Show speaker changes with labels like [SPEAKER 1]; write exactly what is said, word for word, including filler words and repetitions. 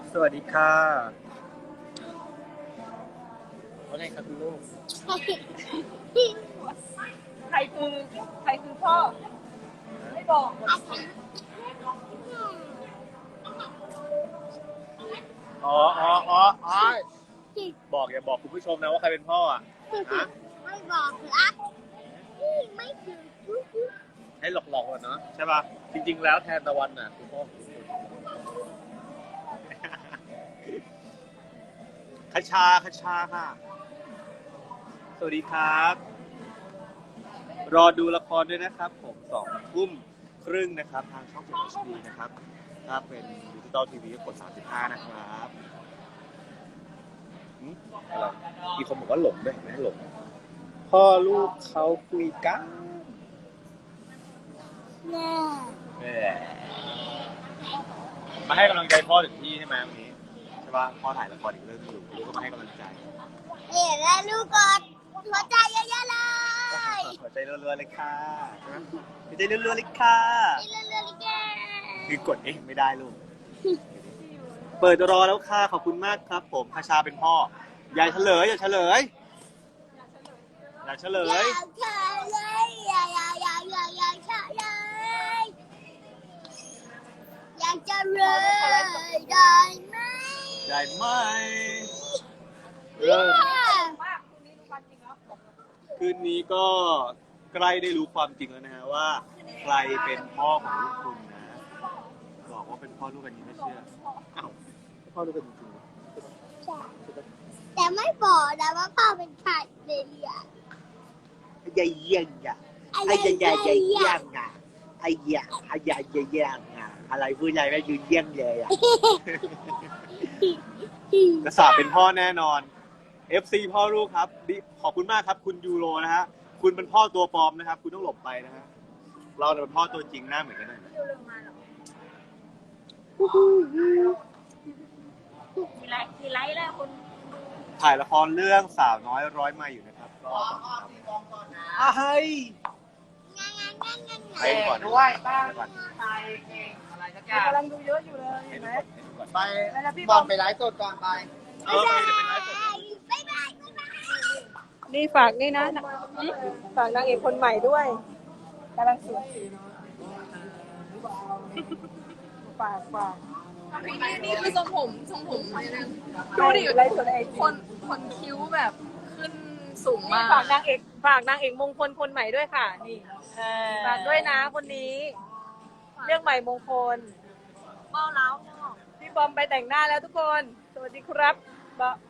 [SPEAKER 1] สวัสดีค่ะว่าไงครับคุณลูก
[SPEAKER 2] ใครคือใครคือพ่อไม่บอก
[SPEAKER 1] อ๋ออ๋ออ๋ออ๋อบอกอย่าบอกคุณผู้ชมนะว่าใครเป็นพ่ออ่ะฮะ
[SPEAKER 3] ไม่บอกรักนี่ไม่ถึง
[SPEAKER 1] ให้หลอกๆก่อนเนาะใช่ป่ะจริงๆแล้วแทนตะวันน่ะคือพ่อของคุณคชาคชาค่ะสวัสดีครับ รอดูละครด้วยนะครับผมสองทุ่มครึ่งนะครับทางช่องเจ็ด เอช ดี นะครับถ้าเป็นดิจิตอลทีวีก็กดสามสิบห้านะครับหึอะไรมีคนบอกว่าหลงด้วยไม่ให้หลงพ่อลูกเขาคุยกัน
[SPEAKER 3] แน่
[SPEAKER 1] แหมมาให้กำลังใจพ่อถึงที่ใช่ไหมวันนี้ใช่ป่ะพ่อถ่ายละครอีกเรื่องอยู่ลูกก็มาให้กำลังใจ
[SPEAKER 3] เอ๋แล้วลูกกดหัวใจเยอะๆเลย
[SPEAKER 1] หัวใจรัวๆเลยค่ะใช่ไหมหัวใจรัวๆเลยค่ะ
[SPEAKER 3] นี่เรื่อยๆเลยแก
[SPEAKER 1] คือกดเองไม่ได้ลูก เปิดรอแล้วค่ะขอบคุณมากครับ ผมคาชาเป็นพ่ออย่าเฉลยอย่าเฉลยอย่าเฉล
[SPEAKER 3] อย ยากเธอเลยอยากอยากอยากอยากอยากเธอเลยอยากจะเลยได้ไหม
[SPEAKER 1] ได้ไหมเริ่ม
[SPEAKER 2] มากคุณนี่รู้ความจริงแล้ว
[SPEAKER 1] คืนนี้ก็ใกล้ได้รู้ความจริงแล้วนะฮะว่าใครเป็นพ่อของลูกคุณนะบอกว่าเป็นพ่อลูกกันนี้ไม่เชื่ออ้าวพ่อลูกกันจริงๆเหรอ
[SPEAKER 3] แต่ไม่บอกนะว่าพ่อเป็นใครเลยอ่ะ
[SPEAKER 1] ไอ้เยี่ยงอ่ะไอ้ยายายายย่างอ่ะไอ้ยาไอ้ยายาย่างอ่ะอะไรพูดอะไรไม่ยืนเยี่ยงเลยอ่ะ กระสาบเป็นพ่อแน่นอน เอฟ ซี พ่อลูกครับดิขอบคุณมากครับ คุณยูโรนะฮะคุณเป็นพ่อตัวปลอมนะครับ คุณต้องหลบไปนะฮะเราเนี่ยเป็นพ่อตัวจริงหน้าเหมือนกันเลยนะ
[SPEAKER 2] มีไลฟ์มีไลฟ์แล้วคุณ
[SPEAKER 1] ถ่ายละครเรื่องสาวน้อยร้อยไม้อยู่นะครับรอก่อนครับอ่ะเฮ้ย
[SPEAKER 3] งานงานงานงาน
[SPEAKER 1] ไปก่อน
[SPEAKER 4] ด้วยบ้าง
[SPEAKER 1] ไปก่อน
[SPEAKER 4] ไปเก่งอะไรสักอย่าง
[SPEAKER 2] กำลังดูเยอะอยู่เลย
[SPEAKER 1] ให้
[SPEAKER 2] เห็น
[SPEAKER 1] ดู
[SPEAKER 2] ไหม
[SPEAKER 1] ก่อนให้ดูก่อน
[SPEAKER 4] ไป
[SPEAKER 2] แล้วพี่
[SPEAKER 4] บบ อ
[SPEAKER 2] อ
[SPEAKER 4] ล
[SPEAKER 2] ม
[SPEAKER 4] ไปไลฟ์สดก่อนไป
[SPEAKER 1] เออไปเดี๋ยวเป็นไลฟ์สด
[SPEAKER 3] บ๊ายบายบ๊ายบาย
[SPEAKER 2] นี่ฝากนี่นะฝากนางเอกคนใหม่ด้วยกำลังสวยฝากฝาก
[SPEAKER 5] นี่นี่คือทรงผมทรงผมดูดิ
[SPEAKER 2] ไลฟ์สดไอ
[SPEAKER 5] คนคนคิ้วแบบขึ้นสูง
[SPEAKER 2] นี่
[SPEAKER 5] มาก
[SPEAKER 2] ฝากนางเอกฝากนางเอกมงคลคนใหม่ด้วยค่ะนี่ฝากด้วยนะคนนี้เรื่องใหม่มงคล
[SPEAKER 5] เบ้าเล้า
[SPEAKER 2] พี่บอมไปแต่งหน้าแล้วทุกคน สวัสดีครับบ